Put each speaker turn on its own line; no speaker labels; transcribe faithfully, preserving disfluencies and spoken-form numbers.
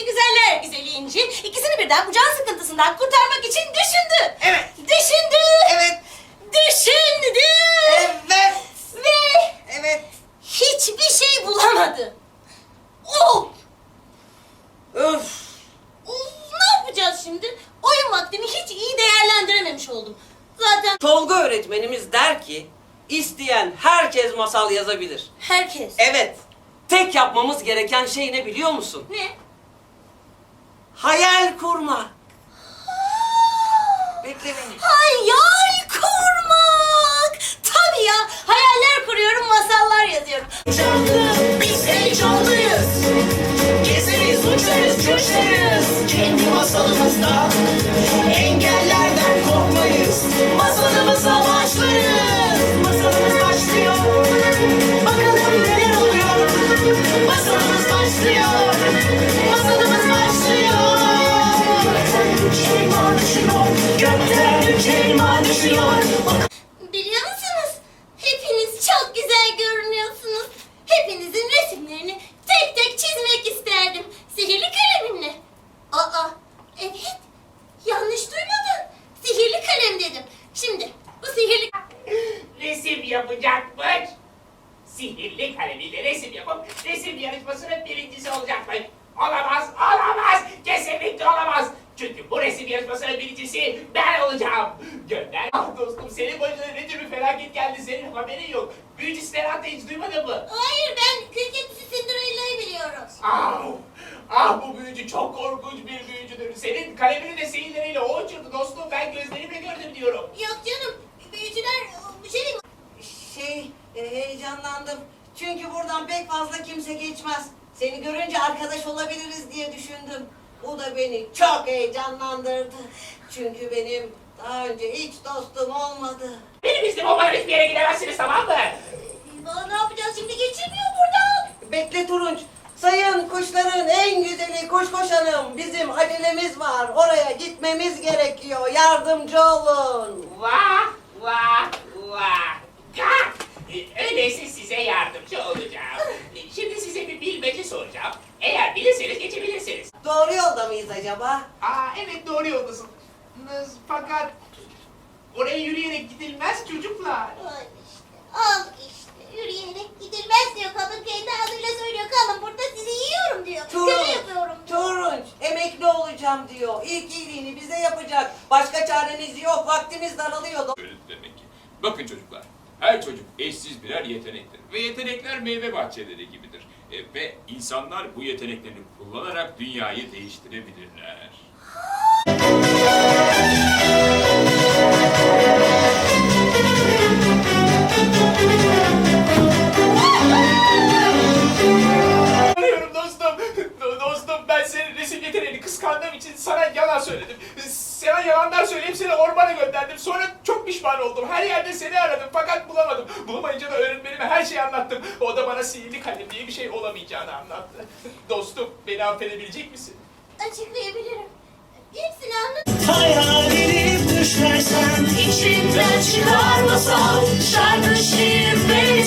güzeller güzeli İnci ikisini birden bu can sıkıntısından kurtarmak için düşündü.
Evet.
Düşündü.
Evet.
Düşündü.
Evet.
Ve
Evet.
hiçbir şey bulamadı. Of!
Öf.
Of! Ne yapacağız şimdi? Oyun vaktimi hiç iyi değerlendirememiş oldum. Zaten
Tolga öğretmenimiz der ki, isteyen herkes masal yazabilir.
herkes.
Evet, tek yapmamız gereken şey ne biliyor musun?
Ne?
Hayal kurmak. Bekle beni.
Hayal kurmak! Tabii ya, hayaller kuruyorum, masallar yazıyorum.
Canlı, biz heyecanlıyız. Gezeriz, uçarız, coşarız. Kendi masalımızda engellerden korkmayız. Masalımıza başlarız. Masalımız başlıyor. Bakalım neler oluyor. Masalımız başlıyor. Masalımız başlıyor. Gökten üç elma düşüyor. Gökten üç elma düşüyor.
Biliyor musunuz? Hepiniz çok güzel görünüyorsunuz. Hepinizin resimlerini tek tek çizmek isterdim. Sihirli kalemimle. Aa, evet. Yanlış duymadın. Sihirli kalem dedim. Şimdi bu sihirli...
Resim yapacakmış. Sihirli kalemiyle resim yapıp resim yarışmasının birincisi olacakmış. Olamaz, olamaz, kesinlikle olamaz. Çünkü bu resim yarışmasının birincisi ben olacağım. Gönder. Ah dostum, senin başına ne tür bir felaket geldi, senin haberin yok. Büyücü Stenat'ı hiç duymadın mı?
Hayır, ben Kırketisi Cinderella'yı biliyorum.
Ah, ah bu büyücü çok korkunç bir büyücüdür. Senin kalemini de sihirleriyle o uçurdu dostum. Ben gözlerimle gördüm diyorum.
Yok canım, büyücüler bir şey değil mi?
Şey, e, heyecanlandım. Çünkü buradan pek fazla kimse geçmez. Seni görünce arkadaş olabiliriz diye düşündüm. Bu da beni çok heyecanlandırdı. Çünkü benim daha önce hiç dostum olmadı.
Benim iznim olmadan hiçbir yere gidemezsiniz, tamam mı?
Aa, ne yapacağız şimdi? Geçemiyor buradan.
Bekle Turunç. Sayın kuşların en güzeli kuş koşanım. Bizim acelemiz var. Oraya gitmemiz gerekiyor. Yardımcı olun.
Vah, vah, vah. Gah! Ee, Öyleyse size yardımcı olacağım. Şimdi size bir bilmece soracağım. Eğer bilirseniz geçebilirsiniz.
Doğru yolda mıyız acaba?
Aa evet, doğru yoldasın. Fakat oraya yürüyerek gidilmez çocuklar.
Al işte, al işte. Yürüyerek gidilmez diyor. Kadın kendi adıyla söylüyor. Kalın burada sizi yiyorum diyor. Köle yapıyorum diyor.
Turunç, emekli olacağım diyor. İlk iyiliğini bize yapacak. Başka çaremiz yok. Vaktimiz daralıyor.
Öyle demek ki. Bakın çocuklar, her çocuk eşsiz birer yetenektir. Ve yetenekler meyve bahçeleri gibidir. E, ve insanlar bu yeteneklerini kullanarak dünyayı değiştirebilirler.
Anlıyorum dostum. Do- dostum, ben senin resim yeteneğini kıskandığım için sana yalan söyledim. Sana yalanlar söyleyip seni ormana gönderdim. Sonra çok pişman oldum. Her yerde seni aradım fakat bulamadım. Bulamayınca da öğretmenime her şeyi anlattım. O da bana sihirli kalem diye bir şey olamayacağını anlattı. Dostum, beni affedebilecek misin?
Açıklayabilirim. Hepsini anlat.
Hayalini düşlersen içinden çıkar masal. Şarkı, şiir ve